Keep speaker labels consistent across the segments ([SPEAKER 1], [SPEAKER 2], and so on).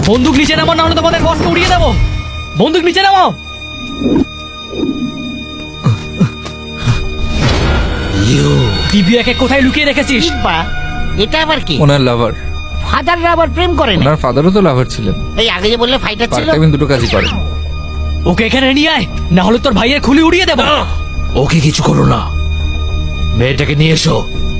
[SPEAKER 1] বন্দুক নিচে নামাও, না হলে তোমাদের বসকে উড়িয়ে দেবো। বন্দুক নিচে নামাও। দিব্যাকে কোথায় লুকিয়ে রেখেছিস?
[SPEAKER 2] এটা আবার কি?
[SPEAKER 3] ওনার লাভার।
[SPEAKER 2] ফাদাররা আবার প্রেম করে?
[SPEAKER 3] ওনার ফাদারও তো লাভার ছিলেন।
[SPEAKER 2] এই আগে যে বললে ফাইটার ছিল।
[SPEAKER 3] পার্ট-টাইম দুটো কাজই করে।
[SPEAKER 1] ওকে এখানে নিয়ে আয়, না হলে তোর ভাইয়ের খুলি উড়িয়ে দেবো।
[SPEAKER 4] ওকে কিছু করো না, মেয়েটাকে নিয়ে এসো।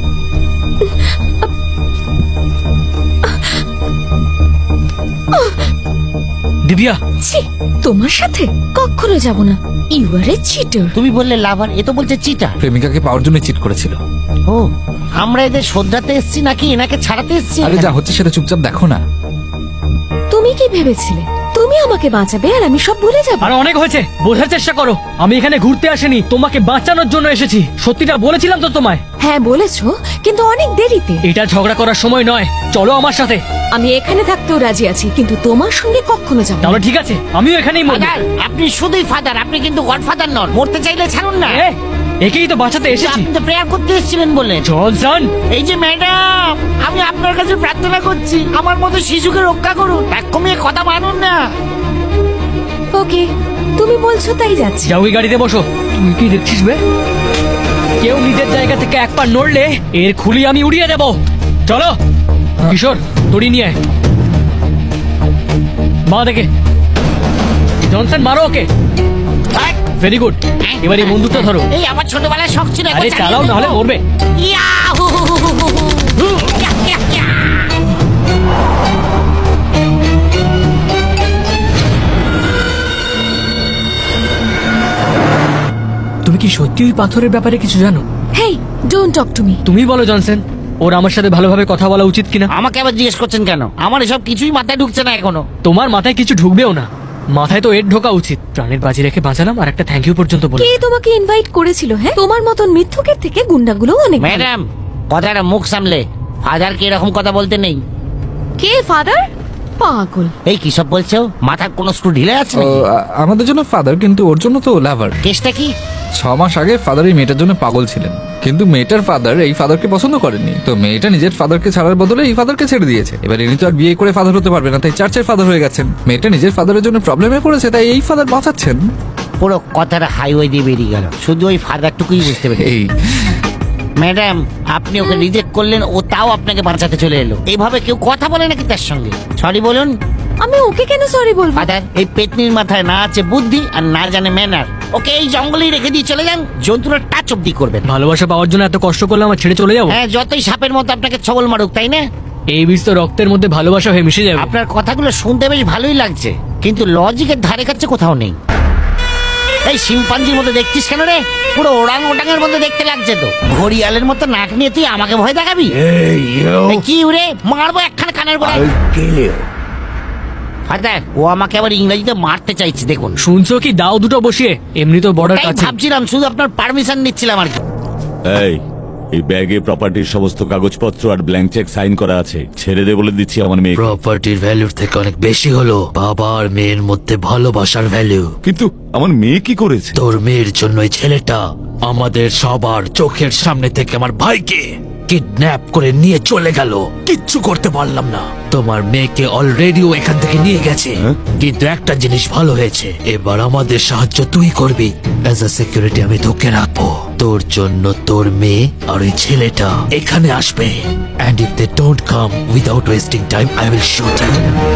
[SPEAKER 1] দিব্যা,
[SPEAKER 5] ছি, তোমার সাথে কখনো যাব না। You are a cheater.
[SPEAKER 2] তুমি বললে লাভার, এ তো বলছে চিটার।
[SPEAKER 3] প্রেমিকাকে পাওয়ার জন্য চিট করেছিল।
[SPEAKER 2] ও, আমরা এদের শোধরাতে এসেছি নাকি এনাকে ছাড়াতে এসেছি?
[SPEAKER 3] আরে যা হচ্ছে সেটা চুপচাপ দেখো না।
[SPEAKER 5] তুমি কি ভেবেছিলে তুমি আমাকে বাঁচাবে আর আমি সব ভুলে যাব?
[SPEAKER 1] আর অনেক হয়েছে, বোঝার চেষ্টা করো। আমি এখানে ঘুরতে আসিনি, তোমাকে বাঁচানোর জন্য এসেছি। সত্যিটা বলেছিলাম তো তোমায়।
[SPEAKER 5] হ্যাঁ বলেছো, কিন্তু অনেক দেরিতে।
[SPEAKER 1] এটা ঝগড়া করার সময় নয়, চলো আমার সাথে।
[SPEAKER 5] আমি এখানে থাকতেও রাজি আছি, কিন্তু তোমার সঙ্গে কখনো যাব না।
[SPEAKER 1] তাহলে ঠিক আছে, আমিও এখানেই মরবো।
[SPEAKER 2] ফাদার, আপনি শুধুই ফাদার, আপনি কিন্তু গডফাদার নন। মরতে চাইলে ছাড়ুন না।
[SPEAKER 1] এ, একেই তো বাঁচাতে এসেছি।
[SPEAKER 2] আপনি তো প্রেয়ার করতে এসেছিলেন বললেন।
[SPEAKER 1] জনসন,
[SPEAKER 2] এই যে ম্যাডাম, আমি আপনার কাছে প্রার্থনা করছি, আমার মতো শিশুকে রক্ষা করুন। এক কমিয়ে কথা মানুন না।
[SPEAKER 5] ওকে, তুমি বলছো তাই যাচ্ছি।
[SPEAKER 1] যাও ওই গাড়িতে বসো। তুই কি দেখছিস বে? কেউ নিজের জায়গা থেকে এক পা নড়লে এর খুলি আমি উড়িয়ে দেব। চলো কিশোর, দড়ি নিয়ে আয়। মা দেখে। জনসন, মারো ওকে। Very good. এবার এই বন্দুকটা ধরো।
[SPEAKER 2] এই আমার ছোটবেলায় শখ ছিল।
[SPEAKER 1] আরে চালাও, নাহলে মরবে।
[SPEAKER 2] ইয়াহু! Yeah, yeah, yeah.
[SPEAKER 1] তুমি কি সত্যি ওই পাথরের ব্যাপারে কিছু জানো?
[SPEAKER 5] Hey, don't talk to me.
[SPEAKER 1] তুমি বলো জনসন, ওর আমার সাথে ভালোভাবে কথা বলা উচিত কিনা?
[SPEAKER 2] আমাকে আবার জিজ্ঞেস করছেন কেন? আমার এসব কিছুই মাথায় ঢুকছে না এখনো।
[SPEAKER 1] তোমার মাথায় কিছু ঢুকবেও না, মাথায় তো এর ঢোকা উচিত। প্রাণের বাজি রেখে বাঁচালাম, আর একটা থ্যাংক ইউ পর্যন্ত বলে।
[SPEAKER 5] কে তোমাকে ইনভাইট করেছিল? হ্যাঁ, তোমার মতন মিথ্যুকের থেকে গুন্ডাগুলো অনেক ভালো।
[SPEAKER 2] ম্যাডাম, কথাটা মুখ সামলে। ফাদারকে এরকম কথা বলতে নেই।
[SPEAKER 5] কে ফাদার? পাগল।
[SPEAKER 2] এই কি সব বলছো? মাথার কোনো স্ক্রু ঢিলে আছে
[SPEAKER 3] ও,
[SPEAKER 2] নাকি?
[SPEAKER 3] আমাদের জন্য ফাদার, কিন্তু ওর জন্য তো লাভার।
[SPEAKER 2] কেসটা কি?
[SPEAKER 3] 6 মাস আগে ফাদার এই মেয়েটার জন্য পাগল ছিলেন, কিন্তু মেয়েটার ফাদার এই ফাদারকে পছন্দ করেননি। তো মেয়েটা নিজের ফাদারকে ছাড়ার বদলে এই ফাদারকে ছেড়ে দিয়েছে। এবার ইনি তো আর বিয়ে করে ফাদার হতে পারবে না, তাই চার্চের ফাদার হয়ে গেছেন। মেয়েটা নিজের ফাদারের জন্য প্রবলেমে পড়েছে, তাই এই ফাদার বাঁচাচ্ছেন।
[SPEAKER 2] পুরো কথাটা হাইওয়ে দিয়ে বেরিয়ে গেল, শুধু ওই ফাদারটুকুই বুঝতে পেরেছি।
[SPEAKER 3] এই
[SPEAKER 2] ম্যাডাম, আপনি ওকে রিজেক্ট করলেন, ও তাও আপনাকে বাঁচাতে চলে এলো। এইভাবে কেউ কথা বলে নাকি তার সঙ্গে? সরি বলুন।
[SPEAKER 5] আমি ওকে কেন সরি বলবো?
[SPEAKER 2] ফাদার, এই পেতনির মাথায় না আছে বুদ্ধি আর না জানে ম্যানার। ওকে এই জঙ্গলেই রেখে দিয়ে চলে যান, জন্তুরা টাচ অব্দি করবেন।
[SPEAKER 1] ভালোবাসা পাওয়ার জন্য এত কষ্ট করলে আমার ছেড়ে চলে যাবো?
[SPEAKER 2] হ্যাঁ, যতই সাপের মতো আপনাকে ছবল মারুক, তাই না?
[SPEAKER 1] এই বিষ তো রক্তের মধ্যে ভালোবাসা হয়ে মিশে যাবে।
[SPEAKER 2] আপনার কথাগুলো শুনতে বেশ ভালোই লাগছে, কিন্তু লজিকের ধারে কাছে কোথাও নেই। এই শিম্পাঞ্জির মতো দেখছিস কেন রে? পুরো ওরাং ওটাঙের মধ্যে দেখতে লাগছে তো। ঘড়িয়ালের মতো নাক নিয়ে তুই আমাকে ভয় দেখাবি? এই কি রে, মারবো একখানা কানের গোড়ায়। ফাদার, ও আমাকে আবার ইংরেজিতে মারতে চাইছে, দেখুন।
[SPEAKER 1] শুনছো কি? দাও দুটো বসিয়ে, এমনি তো বর্ডার
[SPEAKER 2] তাই
[SPEAKER 1] কাছে।
[SPEAKER 2] ভাবছিলাম, শুধু আপনার পারমিশন নিচ্ছিলাম আর কি।
[SPEAKER 6] এই ব্যাগে প্রপার্টির সমস্ত কাগজপত্র আর ব্ল্যাঙ্ক চেক সাইন করা আছে। ছেড়ে দে বলে দিচ্ছি আমার মেয়ে।
[SPEAKER 4] প্রপার্টির ভ্যালুর থেকে অনেক বেশি হলো বাবা আর মেয়ের মধ্যে ভালোবাসার ভ্যালু।
[SPEAKER 6] কিন্তু আমার মেয়ে কি করেছে?
[SPEAKER 4] তোর মেয়ের জন্য এই ছেলেটা আমাদের সবার চোখের সামনে থেকে আমার ভাইকে কিডন্যাপ করে নিয়ে চলে গেল। কিচ্ছু করতে পারলাম না। তোমার মেয়েকে অলরেডি ও এখান থেকে নিয়ে গেছে। কিন্তু একটা জিনিস ভালো হয়েছে, এবার আমাদের সাহায্য তুই করবি। অ্যাজ আ সিকিউরিটি আমি তোকে রাখবো। তোর জন্য তোর মেয়ে আর ওই ছেলেটা এখানে আসবে। And if they don't come without wasting time, I will shoot you.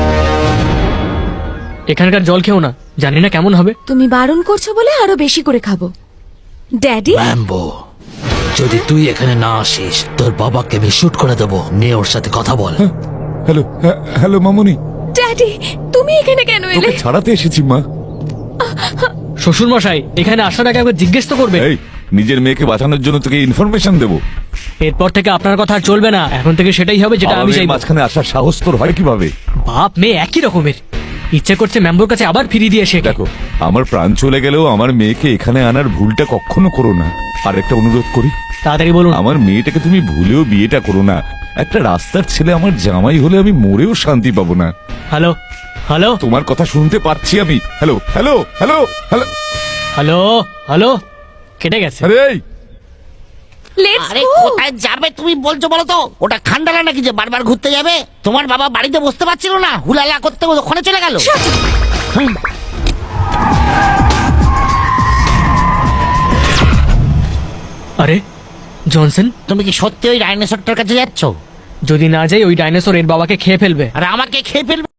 [SPEAKER 1] এখানকার জল খেও না, জানি না কেমন হবে।
[SPEAKER 5] তুমি বারণ করছো বলে আরো বেশি করে খাবো। ড্যাডি,
[SPEAKER 4] র্যাম্বো, যদি তুই এখানে না আসিস তোর বাবাকে আমি শুট করে দেবো। নিয়ে ওর সাথে কথা বল।
[SPEAKER 6] হ্যালো, হ্যালো মামুনি।
[SPEAKER 5] ড্যাডি, তুমি এখানে কেন এলে?
[SPEAKER 6] তোকে ছাড়াতে এসেছি মা।
[SPEAKER 1] শ্বশুর মশাই, এখানে আসার আগে একবার জিজ্ঞেস তো করবে।
[SPEAKER 6] এই, নিজের মেয়েকে বাঁচানোর জন্য তোকে ইনফরমেশন দেবো।
[SPEAKER 1] এরপর থেকে আপনার কথা আর চলবে না, এখন থেকে সেটাই হবে যেটা আমি চাই।
[SPEAKER 6] মাঝখানে আসার সাহস তোর হয় কিভাবে?
[SPEAKER 1] বাপ মেয়ে একই রকমের। ইচ্ছে করছে মেম্বর কাছে আবার ফিরিয়ে দিয়ে এসে।
[SPEAKER 6] দেখো, আমার প্রাণ চলে গেলেও আমার মেয়েকে এখানে আনার ভুলটা কখনো করো না। আর একটা অনুরোধ করি,
[SPEAKER 1] তাড়াতাড়ি বলুন।
[SPEAKER 6] আমার মেয়েটাকে তুমি ভুলেও বিয়েটা করো না। একটা রাস্তার ছেলে আমার জামাই হলে আমি মরেও শান্তি পাবো না।
[SPEAKER 1] হ্যালো হ্যালো
[SPEAKER 6] তোমার কথা শুনতে পাচ্ছি আমি। Hello hello hello hello
[SPEAKER 1] hello hello, কেটে গেছে।
[SPEAKER 6] আরে এই,
[SPEAKER 5] লেটস
[SPEAKER 2] আরে
[SPEAKER 5] গো।
[SPEAKER 2] কোথায় যাবে তুমি বলছো বলো তো? ওটা খান্ডালা নাকি যে বারবার ঘুরতে যাবে? তোমার বাবা বাড়িতে বসতে পারছিল না, হুলালা করতে ওখানে চলে গেল।
[SPEAKER 1] আরে জনসন,
[SPEAKER 2] তুমি কি সত্যি ওই ডাইনোসরটার কাছে যাচ্ছ?
[SPEAKER 1] যদি না যাই ওই ডাইনোসর এর বাবাকে খেয়ে ফেলবে।
[SPEAKER 2] আর আমাকে খেয়ে ফেলবে?